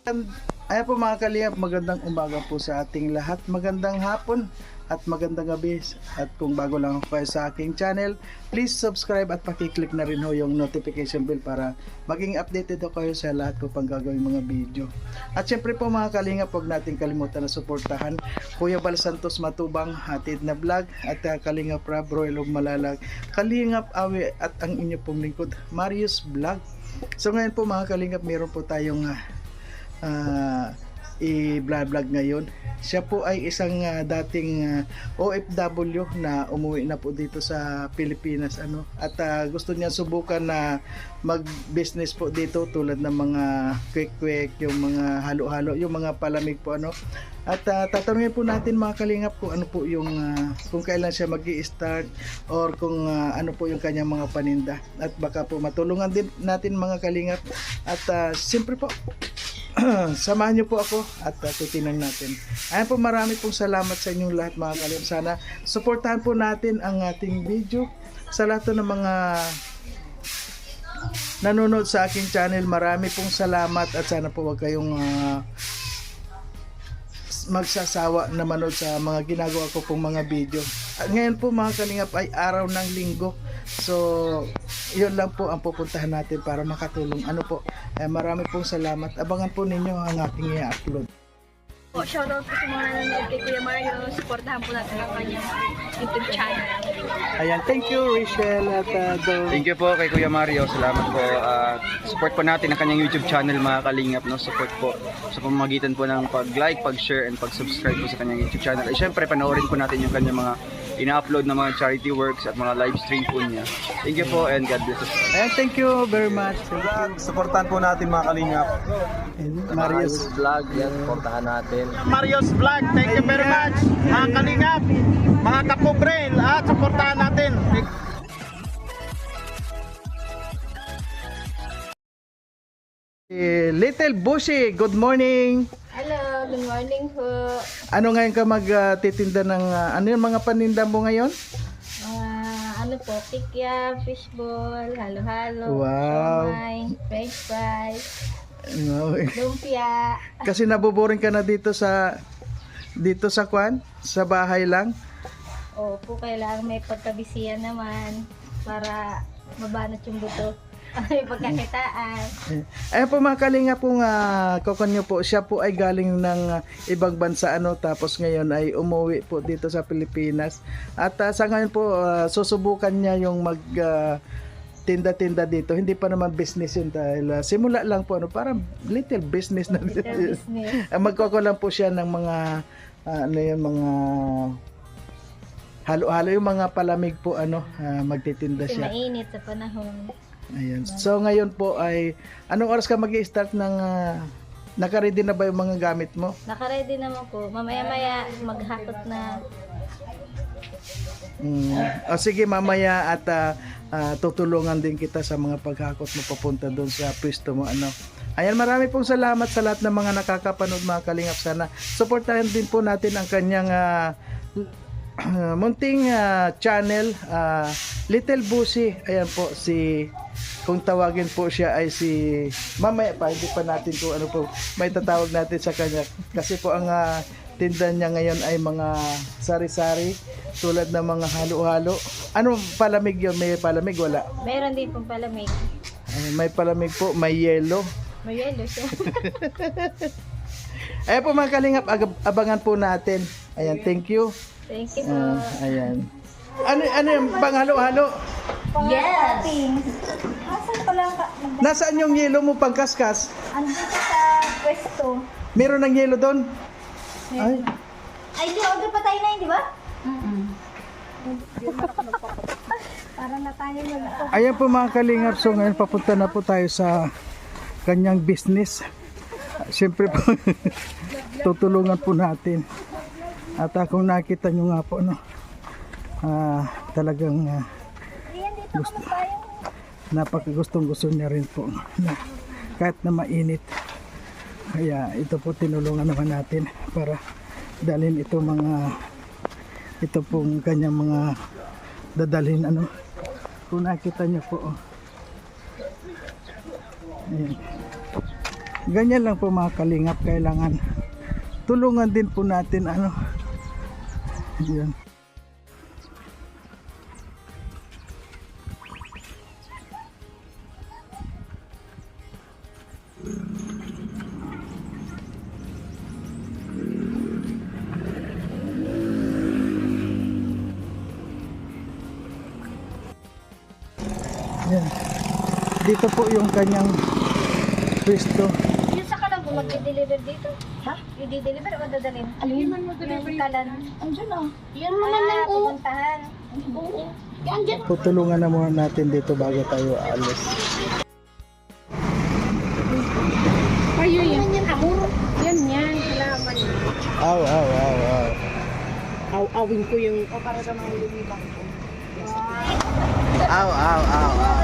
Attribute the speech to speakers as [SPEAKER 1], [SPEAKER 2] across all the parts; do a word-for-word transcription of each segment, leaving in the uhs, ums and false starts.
[SPEAKER 1] Ayan po mga kalingap, magandang umaga po sa ating lahat, magandang hapon at magandang gabi. At kung bago lang ako kayo sa aking channel, please subscribe at pakiclick na rin ho yung notification bell para maging updated ho kayo sa lahat ko pang gagawing mga video. At syempre po mga kalingap, huwag natin kalimutan na suportahan Kuya Bal Santos Matubang Hatid na Vlog at uh, Kalingap Rab Royal of Malalag, Kalingap Awe at ang inyo pong lingkod Marius Vlog. So ngayon po mga kalingap, meron po tayong uh, uh, i-vlog ngayon. Siya po ay isang uh, dating uh, O F W na umuwi na po dito sa Pilipinas ano, at uh, gusto niya subukan na mag-business po dito tulad ng mga quick-quick, yung mga halo-halo, yung mga palamig po ano. At uh, tatanungin po natin mga kalingap kung ano po yung uh, kung kailan siya magi-start or kung uh, ano po yung kanyang mga paninda, at baka po matulungan din natin mga kalingap. At uh, siyempre po samahan niyo po ako at uh, titingnan natin. Ayan po, marami pong salamat sa inyong lahat mga kalingap. Sana suportahan po natin ang ating video. Sa lahat ng mga nanonood sa aking channel, marami pong salamat at sana po wag kayong uh, magsasawa na manood sa mga ginagawa ko pong mga video. At ngayon po mga kalingap ay araw ng linggo. So, yun lang po ang pupuntahan natin para makatulong. Ano po, eh, marami pong salamat. Abangan po ninyo ang aking i-upload.
[SPEAKER 2] Po, shoutout po sa mga nanonood kay Kuya Mario. Supportahan po natin ang kanyang YouTube channel.
[SPEAKER 1] Ayan, thank you Rachel at uh, Dol.
[SPEAKER 3] Thank you po kay Kuya Mario. Salamat po. Uh, support po natin ang kanyang YouTube channel mga kalingap. No? Support po sa pamamagitan po ng pag-like, pag-share, and pag-subscribe po sa kanyang YouTube channel. At syempre, panoorin po natin yung kanyang mga ina-upload na mga charity works at mga live stream po niya. Thank you po and God bless us.
[SPEAKER 1] Ayan, thank you very much. Thank you.
[SPEAKER 4] Supportan po natin mga kalingap.
[SPEAKER 1] And Marius.
[SPEAKER 3] Vlog, yan, supportahan natin.
[SPEAKER 4] Marius Vlog, thank you very much. Mga kalingap, mga kapobre, at supportahan natin.
[SPEAKER 1] Eh, Little Bushy, good morning.
[SPEAKER 2] Hello, good morning po.
[SPEAKER 1] Ano ngayon ka magtitinda ng uh, ano yung mga paninda mo ngayon?
[SPEAKER 2] Mga ano po, pikya, fishball, halo-halo,
[SPEAKER 1] Wow.
[SPEAKER 2] siomay, french fries,
[SPEAKER 1] No.
[SPEAKER 2] lumpia.
[SPEAKER 1] Kasi naboboring ka na dito sa dito sa kwan, sa bahay lang.
[SPEAKER 2] Opo, kailangan may pagkabisiyan naman para mabanat yung buto. May pagkakitaan.
[SPEAKER 1] Ayun po mga kalinga po nga, kokon nyo po, siya po ay galing ng uh, ibang bansa ano, tapos ngayon ay umuwi po dito sa Pilipinas. At uh, sa ngayon po, uh, susubukan niya yung mag uh, tinda-tinda dito. Hindi pa naman business yun dahil uh, simula lang po, ano, parang little business na.
[SPEAKER 2] Little business.
[SPEAKER 1] Magkukulang po siya ng mga uh, ano yun, mga halo-halo, yung mga palamig po ano, uh, magtitinda
[SPEAKER 2] Kasi
[SPEAKER 1] siya.
[SPEAKER 2] mainit sa panahon.
[SPEAKER 1] Ayan. So ngayon po ay anong oras ka magi-start ng uh, naka-ready na ba yung mga gamit mo?
[SPEAKER 2] Nakaready naman po. Mamaya-maya maghakot na.
[SPEAKER 1] Mm. O sige mamaya at uh, uh, tutulungan din kita sa mga paghakot mo papunta doon sa pwesto mo ano. Ayan, marami pong salamat sa lahat ng mga nakakapanood mga kalingap. Sana supportahan din po natin ang kanyang uh, uh, munting uh, channel, uh, Little Busy. Ayan po, si kung tawagin po siya ay si mamaya pa, hindi pa natin kung ano po may tatawag natin sa kanya kasi po ang uh, tinda niya ngayon ay mga sari-sari tulad ng mga halo-halo. Ano palamig yun? May palamig? Wala.
[SPEAKER 2] Meron din pong palamig.
[SPEAKER 1] Ay, may palamig po, may yelo.
[SPEAKER 2] May yelo siya.
[SPEAKER 1] Ayan po mga kalingap, ab- abangan po natin. Ayan, thank you.
[SPEAKER 2] Thank you po.
[SPEAKER 1] Ah, ayan. Ano, ano yung pang halo-halo?
[SPEAKER 2] Yes! Asan ko lang ka?
[SPEAKER 1] Nasaan yung yelo mo pang kaskas?
[SPEAKER 2] Andito sa pwesto.
[SPEAKER 1] Meron ng yelo doon? Ay,
[SPEAKER 2] Ay, di order pa tayo na yun, di ba? Mm-mm. Para na tayo mag-
[SPEAKER 1] ayan po mga kalingap, so ngayon papunta na po tayo sa kanyang business. Siyempre po, tutulungan po natin. At uh, kung nakita nyo nga po, no, uh, talagang uh, gusto, napakagustong gusto niya rin po na, kahit na mainit. Kaya ito po tinulungan naman natin para dalhin ito mga ito pong kanyang mga dadalhin ano. Kung nakita nyo po, oh. Ayan. Ganyan lang po mga kalingap, kailangan tulungan din po natin ano. Yan. Yan. Dito po yung kanyang pwesto.
[SPEAKER 2] Yung sa kalan po mag-deliver dito. Ha? I-deliver o dadalhin? Alin man mag-deliver? Yung kalan. Andiyan o. Yan naman lang o. Pupuntahan. Oo. Yan dyan.
[SPEAKER 1] Tutulungan na muna natin dito bago tayo aalis.
[SPEAKER 2] Kayo yan. Yan amor. Yan yan. Salamat.
[SPEAKER 1] Aw, aw, aw, aw.
[SPEAKER 2] Aw-awin ko yung... O para sa mga lumibang ko.
[SPEAKER 1] Aw, aw, aw, aw.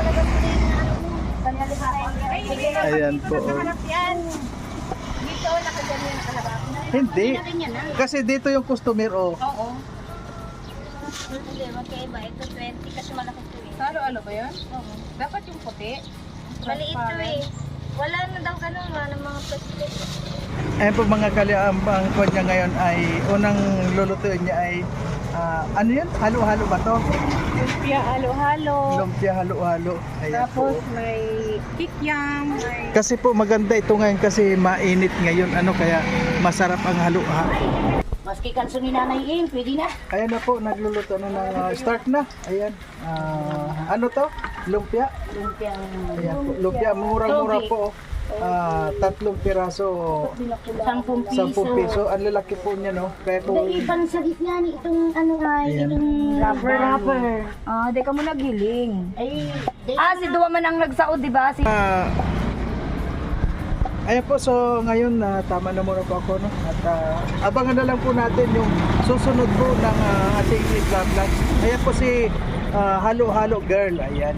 [SPEAKER 1] Ayan po. oh.
[SPEAKER 2] Dito, nakadyan yung kalabak.
[SPEAKER 1] Hindi. Kasi dito yung customer, oh.
[SPEAKER 2] Oo. Hindi, magkaiba. Ito twenty kasi malaki ito eh.
[SPEAKER 5] Halo-halo ba yun?
[SPEAKER 2] Oo.
[SPEAKER 5] Dapat yung puti.
[SPEAKER 2] Maliit ito eh. Wala na daw ganun, wala ng mga plastic.
[SPEAKER 1] Ayan po mga kaliam, ang kwan niya ngayon ay, unang lulutuin niya ay, ah, ano yun? Halo-halo ba to?
[SPEAKER 5] Lumpia, halo-halo.
[SPEAKER 1] Lumpia halo-halo. Ayan
[SPEAKER 5] Tapos
[SPEAKER 1] po.
[SPEAKER 5] may kikyam. May...
[SPEAKER 1] Kasi po maganda ito ngayon kasi mainit ngayon, ano, kaya masarap ang halo-halo.
[SPEAKER 5] Maski kanso ni Nanay In, pwede na.
[SPEAKER 1] Ayan na po, nagluluto na ng ah, start na. Ayan. Ah, ano to? Lumpia?
[SPEAKER 5] Lumpia.
[SPEAKER 1] Ayan po. Lumpia, murang-mura po. Ah, tatlong piraso,
[SPEAKER 5] Sampung piso.
[SPEAKER 1] sampung piso. Ang lalaki po niya, no? Kaya kung...
[SPEAKER 5] Ipan sa gitna ni itong ano ay,
[SPEAKER 1] Ayan.
[SPEAKER 5] itong rubber rubber. Ah, di ka mo nagiling. Ay, ah, si Duwa man ang nagsaod, di ba? Si...
[SPEAKER 1] Ah, ayan po, so ngayon na tama na muna po ako, no? At ah, abangan na lang po natin yung susunod po ng ah, ating vlog vlog. Ayan po si ah, Halo Halo Girl. Ayan.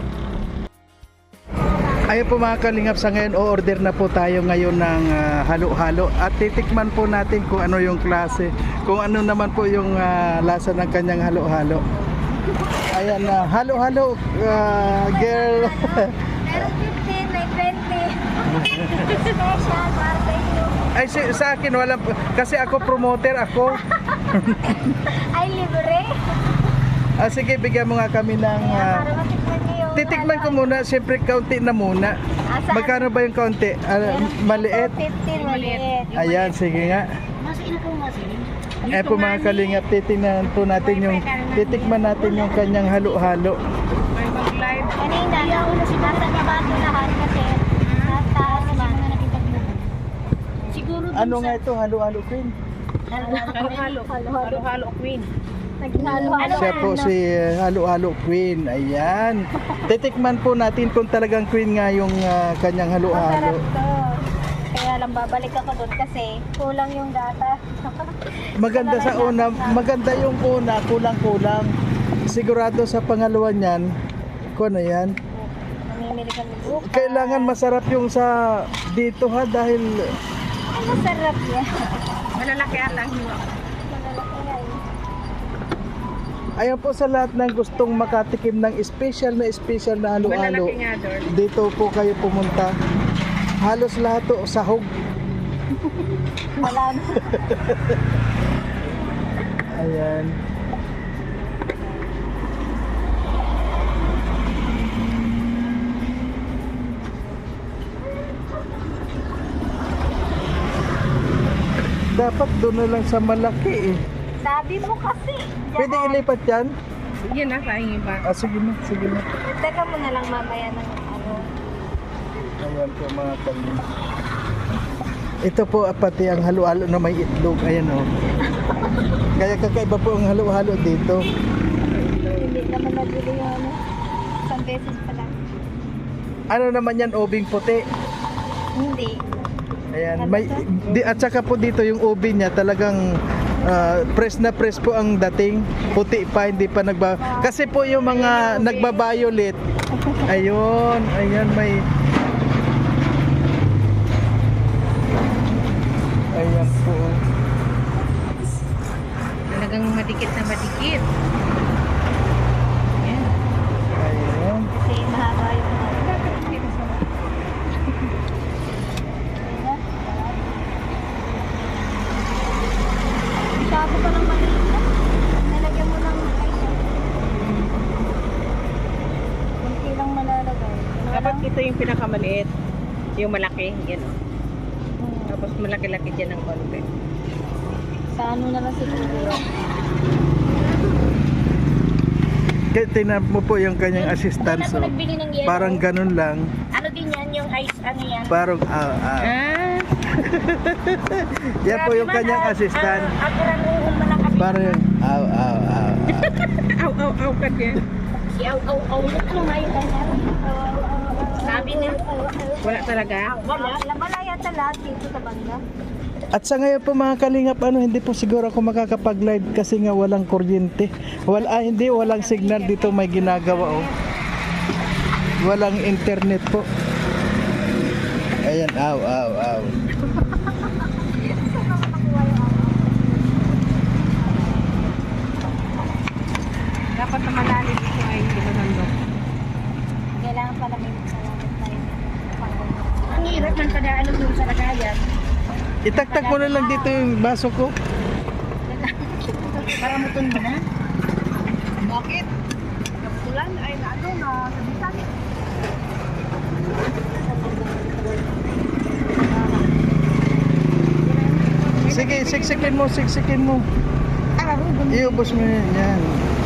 [SPEAKER 1] Ayan po mga kalingap, sa ngayon o-order na po tayo ngayon ng ah, halo-halo at titikman po natin kung ano yung klase, kung ano naman po yung ah, lasa ng kanyang halo-halo. Ayan na, halo-halo ah, girl.
[SPEAKER 2] Meron fifteen, may twenty. Special para sa inyo.
[SPEAKER 1] Ay si, sa akin wala, kasi ako promoter ako.
[SPEAKER 2] Ay, libre.
[SPEAKER 1] Ah, sige, bigyan mo nga kami ng ah,
[SPEAKER 2] Para matikman niyo yung...
[SPEAKER 1] titikman ko muna, siyempre kaunti na muna.
[SPEAKER 2] Asa-
[SPEAKER 1] Magkano ba yung kaunti? Ah, maliit?
[SPEAKER 2] fifteen, maliit.
[SPEAKER 1] Ayan, sige nga.
[SPEAKER 5] Masin ako, masin.
[SPEAKER 1] Eh po mga kalingap, titingnan po natin yung, titikman natin yung kanyang halo-halo.
[SPEAKER 5] May mag-live.
[SPEAKER 2] Kanina, nasa nabato lahat kasi nataas man.
[SPEAKER 5] Siguro
[SPEAKER 1] Ano nga ito, halo-halo queen?
[SPEAKER 5] halo-halo. Halo-halo queen.
[SPEAKER 2] Naghalo-halo.
[SPEAKER 1] Siya po si uh, halo-halo queen, ayan. Titikman po natin kung talagang queen nga yung uh, kanyang
[SPEAKER 2] Masarap
[SPEAKER 1] halo-halo.
[SPEAKER 2] to. Kaya lang babalik ako doon kasi kulang yung data.
[SPEAKER 1] Maganda sa una, maganda yung una, kulang-kulang. Sigurado sa pangalawa niyan, kung ano yan,
[SPEAKER 2] Namimili kami bukas.
[SPEAKER 1] kailangan masarap yung sa dito ha, dahil
[SPEAKER 2] Ay, masarap yan.
[SPEAKER 5] Malalaki ata ang hiwa.
[SPEAKER 2] Malalaki yan.
[SPEAKER 1] ayan po sa lahat ng gustong makatikim ng special na special na halo-halo.
[SPEAKER 5] Malalaki nga doon.
[SPEAKER 1] Dito po kayo pumunta. Halos lahat to sahog.
[SPEAKER 2] Wala na.
[SPEAKER 1] Ayan. Dapat doon na lang sa malaki eh.
[SPEAKER 2] Sabi mo kasi.
[SPEAKER 1] Pwede ilipat yan?
[SPEAKER 5] Yan na, sayang iba.
[SPEAKER 1] Ah, sige na, sige na.
[SPEAKER 2] Teka mo na lang mamaya ng ano.
[SPEAKER 1] Ayan po mga kanina. Ito po ah, pati ang halo-halo na may itlog. Ayan o. Kaya kakaiba po ang halo-halo dito.
[SPEAKER 2] Hindi naman nabili yung ano. Isang beses pa lang.
[SPEAKER 1] Ano naman yan, obing puti.
[SPEAKER 2] Hindi.
[SPEAKER 1] Ayan, may di, at saka po dito yung ubi niya talagang ah, press na press po ang dating. Puti pa, hindi pa nagba. Kasi po yung mga nagba-violet. Ayun, ayan may ayan po.
[SPEAKER 5] Talagang madikit na madikit. Yan.
[SPEAKER 1] Ayan.
[SPEAKER 2] Kasi mahaba yung ano.
[SPEAKER 6] yung pinakamaliit. Yung malaki, yan o. Tapos malaki-laki dyan ng konti.
[SPEAKER 2] Sa ano na lang siguro.
[SPEAKER 1] Kaya tingnan mo po yung kanyang assistant. So,
[SPEAKER 2] Nagbili ng yelo.
[SPEAKER 1] parang ganun lang.
[SPEAKER 2] Ano din yan, yung ice, ano yan?
[SPEAKER 1] Parang, ah, ah.
[SPEAKER 6] Ah,
[SPEAKER 1] Yan po yung kanyang assistant.
[SPEAKER 2] Ako rin uhol man ang kami.
[SPEAKER 1] Parang, aw, aw, aw.
[SPEAKER 6] aw, aw, aw ka din.
[SPEAKER 2] Si Aw Aw Aw. Ano nga yung kanya? Sabi niya.
[SPEAKER 6] Wala talaga?
[SPEAKER 2] Wala. Wala yata lahat dito sa banda.
[SPEAKER 1] At sa ngayon po mga kalingap, ano, hindi po siguro ako makakapag-live kasi nga walang kuryente. Wala, ah, hindi, walang signal dito may ginagawa, oh. Walang internet po. Ayan, aw, aw, aw.
[SPEAKER 6] Dapat na malalim ito ay hindi manandok.
[SPEAKER 2] Kailangan pala may salamat tayo. Ang hirap man kada ano dun sa lagayan.
[SPEAKER 1] Itaktak ko na lang dito yung baso ko.
[SPEAKER 2] Para mutun mo na.
[SPEAKER 6] Bakit? Kapulan ay na ano na sabitan.
[SPEAKER 1] Sige, siksikin mo, siksikin mo. Iubos mo yan. Yan.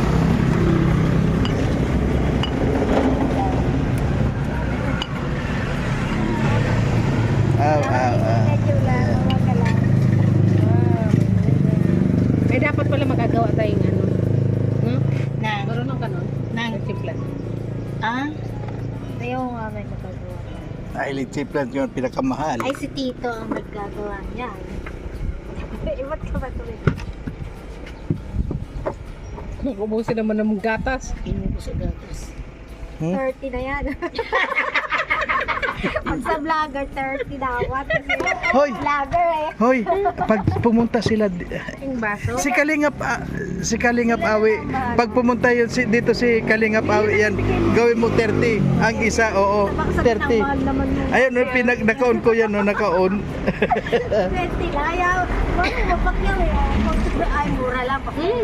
[SPEAKER 1] Aw, aw, aw.
[SPEAKER 6] Eh dapat pala magagawa tayong ano. Hmm?
[SPEAKER 2] Nang.
[SPEAKER 6] Marunong ka nun?
[SPEAKER 2] Nang.
[SPEAKER 6] Nagsimpla.
[SPEAKER 2] Ah? Ayaw nga may magagawa.
[SPEAKER 1] Ay, electric plant yung pinakamahal.
[SPEAKER 2] Ay, si Tito ang naggagawa niya. Ibat ka ba tuloy?
[SPEAKER 6] Ubusin naman ng gatas.
[SPEAKER 2] Inubo sa gatas.
[SPEAKER 1] Hmm?
[SPEAKER 2] thirty na yan. Pag sa vlogger, thirty dapat. Kasi
[SPEAKER 1] Hoy!
[SPEAKER 2] vlogger eh.
[SPEAKER 1] Hoy, pag pumunta sila di-
[SPEAKER 6] Yung baso.
[SPEAKER 1] si Kalingap ah, si Kalingap Awi, pag pumunta yun si, dito si Kalingap Awi yan, gawin mo thirty. Ang isa, oo, thirty.
[SPEAKER 2] Mahal naman yung
[SPEAKER 1] Ayun, no, pinag naka-on ko yan, no, naka-on.
[SPEAKER 2] twenty na. Ayaw. Bakit mapakyaw eh. Ay, mura lang. Hmm.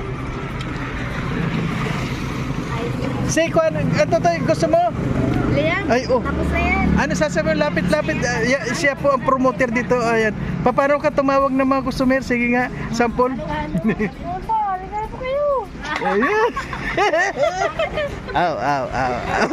[SPEAKER 1] Si Kwan, ito to, gusto mo?
[SPEAKER 2] Liam,
[SPEAKER 1] Ay, oh.
[SPEAKER 2] tapos na yan.
[SPEAKER 1] Ano sasabihin, lapit-lapit, ah, ya- siya po ang promoter dito, ayan. Pa- Paano ka tumawag ng mga customer? Sige nga, sample.
[SPEAKER 2] Ano? Ano po? Ano po kayo?
[SPEAKER 1] Ayan. Aw, aw, aw, aw.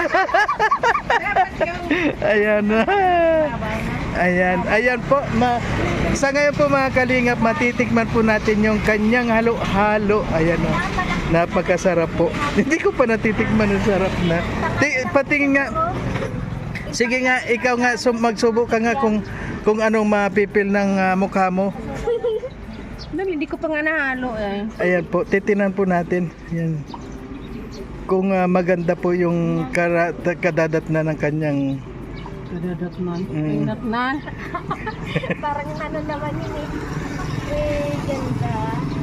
[SPEAKER 1] Ayan na. Ayan, ayan po. Ma sa ngayon po mga kalingap, matitikman po natin yung kanyang halo-halo. Ayan o. Napakasarap po. Hindi ko pa natitikman, ang sarap na. Ti- patingin nga. Sige nga, ikaw nga, sum- magsubo ka nga kung kung anong mapipil ng ah, mukha mo.
[SPEAKER 6] Dami, hindi ko pa nga nahalo eh.
[SPEAKER 1] Ayan po, titinan po natin. Ayan. Kung ah, maganda po yung kara- kadadat na ng kanyang
[SPEAKER 6] Kadadat man.
[SPEAKER 1] Mm.
[SPEAKER 6] Kadadat na.
[SPEAKER 2] Parang ano naman yun eh. Eh, ganda.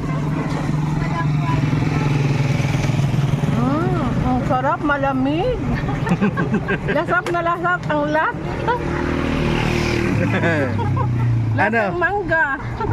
[SPEAKER 6] Ah, ang sarap, malamig. Lasap na lasap ang lat.
[SPEAKER 1] ano?
[SPEAKER 6] Lasang mangga.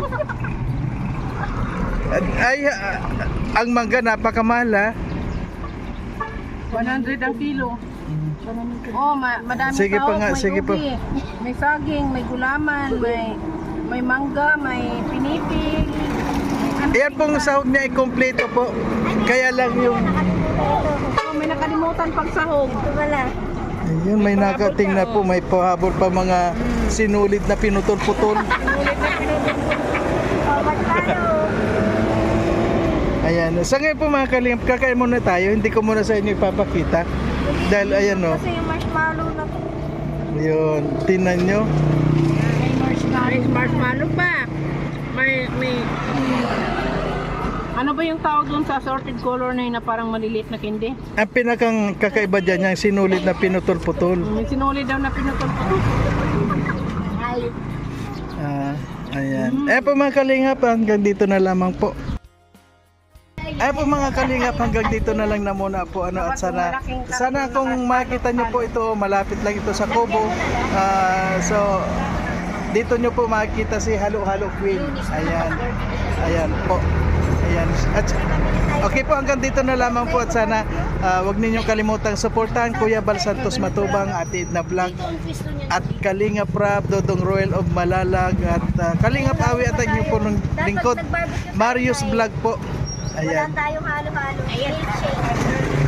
[SPEAKER 1] Ay, ah, ang mangga napakamahal ha.
[SPEAKER 6] one hundred ang kilo. Oh, ma madami
[SPEAKER 1] Sige pa
[SPEAKER 6] tao,
[SPEAKER 1] nga,
[SPEAKER 6] may
[SPEAKER 1] sige pa.
[SPEAKER 6] ubi, may saging, may gulaman, may may mangga, may pinipig.
[SPEAKER 1] Ayan pong sahog niya ay kompleto po. Kaya lang yung
[SPEAKER 6] Oh, may nakalimutan pag sahog.
[SPEAKER 2] Ito wala.
[SPEAKER 1] ayun, may nakating na po, may pahabol pa mga sinulit na pinutol-putol.
[SPEAKER 2] Oh, magkano?
[SPEAKER 1] Ayan, sa ngayon po mga kalingap, kakain muna tayo. Hindi ko muna sa inyo ipapakita. Dahil ayan o,
[SPEAKER 2] Kasi yung marshmallow na to.
[SPEAKER 1] yun, tinan nyo.
[SPEAKER 6] May marshmallow. May marshmallow pa. May, may, ano ba yung tawag doon sa assorted color na yun na parang maliliit na candy?
[SPEAKER 1] Ang pinakang kakaiba dyan, yung sinulit na pinutol-putol.
[SPEAKER 6] May sinuli daw na pinutol-putol.
[SPEAKER 2] Ay,
[SPEAKER 1] Ah, ayan. Eh po mga kalingap, hanggang dito na lamang po. Ay po mga kalingap, hanggang dito na lang na muna po ano at sana sana kung makita nyo po ito, malapit lang ito sa Cobo. Ah, so dito nyo po makikita si Halo Halo Queen. Ayan. Ayan po. Ayan. At, okay po, hanggang dito na lamang po at sana Ah, wag ninyong kalimutang suportahan Kuya Bal Santos Matubang, Ate Edna Vlog, at Kalingap Rap, Dodong Royal of Malalag, at ah, Kalingap Awi at ang inyong punong lingkod, Marius Vlog po.
[SPEAKER 2] Wala
[SPEAKER 1] Ayan.
[SPEAKER 2] tayong halo-halo. Ayan.